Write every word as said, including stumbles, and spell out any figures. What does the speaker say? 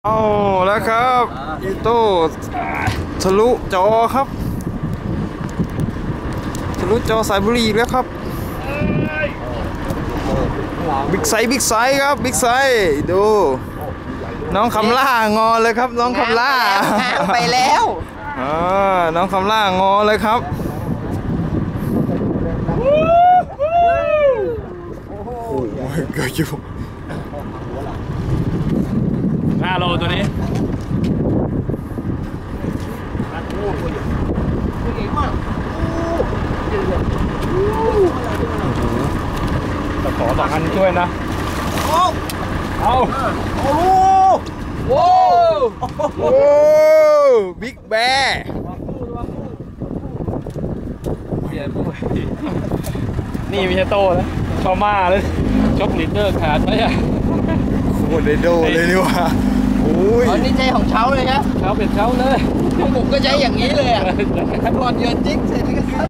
เอาแล้วครับอีโต้ทะลุจอครับทะลุจอสายบุรีแล้วครับบิ๊กไซส์บิ๊กไซส์ครับบิ๊กไซส์ดูน้องคำล่างอเลยครับน้องคำล่าไปแล้วอ่าน้องคำล่างอเลยครับโอ้ยเกิดอยู่ห้าโลตัวนี้ตะขอสองอันช่วยนะเอาโอ้โหโอ้บิ๊กแบร์นี่ไม่ใช่โต้นะชอม่าเลยชกลิดเดอร์ขาดไหมอ่ะโคตรโดเลยนี่ว่าโอ้ยอันนี้ใจของเช้าเลยครับเช้าเป็นเช้าเลยผมก็ใช้อย่างนี้เลยอ่ะก่อนเยือนจิ๊กเสร็จ